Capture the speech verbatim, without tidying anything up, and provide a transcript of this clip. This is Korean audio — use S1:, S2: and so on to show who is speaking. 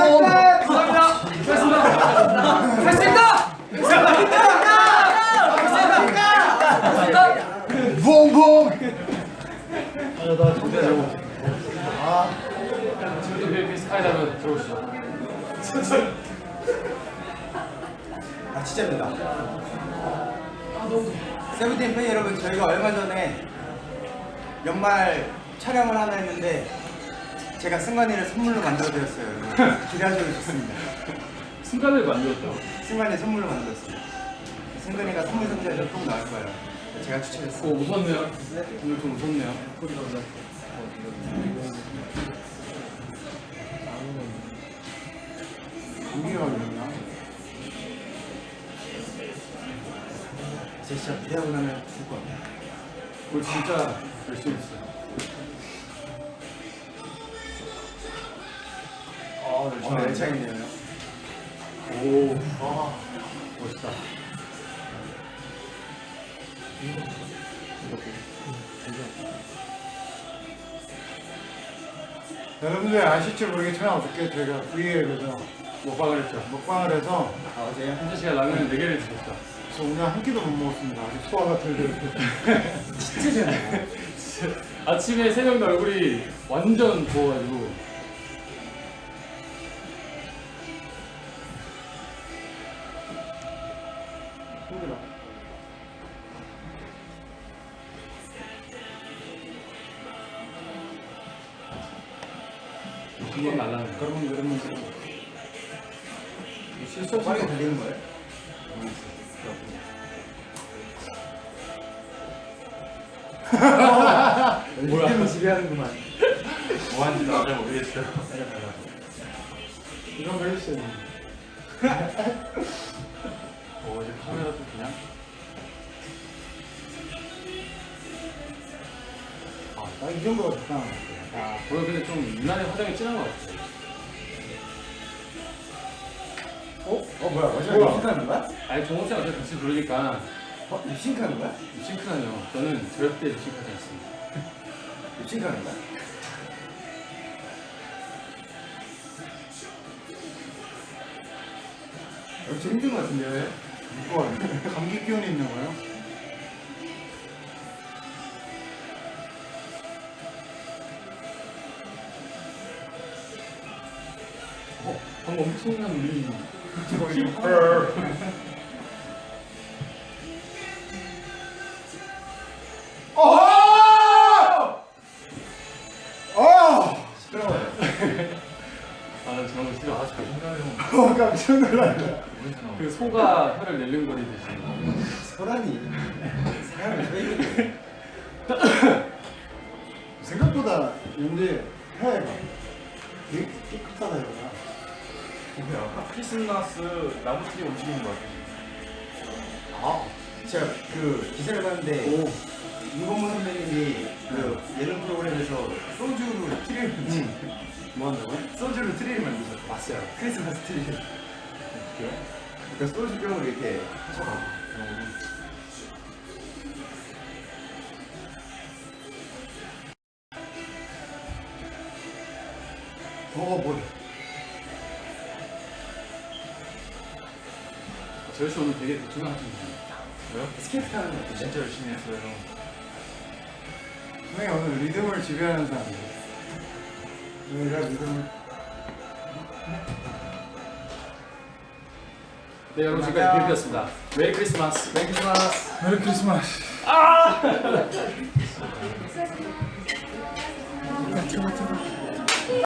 S1: 감사합니다. 수고하셨습니다. 할 수 있다.
S2: 붕붕.
S1: 아나 진짜 저거. 아 지금도 빌리핀 스카이다이브 들어오시죠.
S2: 아 진짜입니다. 세븐틴 팬 여러분, 저희가 얼마 전에 연말 촬영을 하나 했는데 제가 승관이를 선물로 만들어드렸어요. 기대하셔도 좋습니다.
S1: 순간을 만들었다고?
S2: 승관이 선물로 만들었어요. 승관이가 선물 상자에서 꼭 나올 거예요. 제가 추천했어요.
S1: 오 무섭네요. 오늘 좀 무섭네요. 소리가 그냥.
S2: 공기가 걸렸나? 제 진짜 기대하고 나면 죽을 겁니다.
S1: 오늘 진짜 열심히 했어요. 아,
S2: 어, 열차있네요.
S1: 오, 아, 멋있다.
S3: 여러분들 아실지 모르겠지만 어저께 저희가 브이앱에서
S1: 먹방을 했죠.
S3: 먹방을 해서
S2: 아, 어제요?
S1: 현재 씨가 라면을 네 개를 드셨다.
S3: 그래서 오늘 한 끼도 못 먹었습니다. 아직 소화가 덜 되고.
S2: 진짜 재밌네.
S1: 아침에 세 명 다 얼굴이 완전 부어가지고.
S3: 힘들어.
S1: 한번 날라는 거.
S3: 그러면 그러면
S1: 실수
S2: 빠르게
S1: 없이
S2: 달리는 거예요?
S1: 뭐야?
S2: 이름을 지배하는구만.
S1: 뭐 하는지 나도 잘 모르겠어요.
S3: 이런 거 해주세요.
S1: 어, 이제 카메라도 그냥.
S3: 아, 나 이 정도가 적당한 것 같아요.
S1: 아, 오늘 근데 좀 유난히 화장이 진한 것 같아요.
S2: 어? 어 뭐야? 어제
S3: 뭐야?
S2: 입싱크하는 거야?
S1: 아니, 종호 씨랑 어차피 같이 부르니까
S2: 어? 입싱크하는 거야?
S1: 립싱크는요. 저는 절대 립싱크하지 않습니다.
S2: 입싱크하는 거야? 역시 힘든 거 같은데요?
S3: 이거 감기 기운이 있는 거예요?
S1: 어, 방금 엄청난 울림이.
S3: 어! 어!
S2: 시끄러워요.
S1: 아, 난 저런 거 싫어. 아, 잘
S3: 어, 깜짝 놀랐다.
S1: 그 소가 혀를 낼름거리듯이.
S2: 소란이 사람을 왜 이렇게
S3: 생각보다 근데 해가 되게 깨끗하다 이거야.
S4: 뭐야? 크리스마스 나무트리 움직이는 거 같아.
S2: 아, 제가 그 기사를 봤는데
S1: 오,
S2: 윤건무 선배님이 그 예능 프로그램에서 소주로 트리를 만드
S1: 뭐 한다고요?
S2: 소주로 트리를 만드셨어요.
S1: 봤어요.
S2: 크리스마스 트리를.
S1: 어떻게요?
S2: 그러니까 소주병으로 이렇게 하셔가지고.
S3: 어, 뭐
S1: 저희 씨 오늘 되게 대충 하시는
S4: 왜요?
S2: 스케이트 타는 거 같은데?
S4: 진짜 열심히 했어요.
S3: 분명히 오늘 리듬을 지배하는 사람이에요. 내가 리듬을
S1: 네, 여러분 지금까지 빌비였습니다. 메리 크리스마스.
S2: 메리 크리스마스.
S3: 메리 크리스마스.
S2: 아!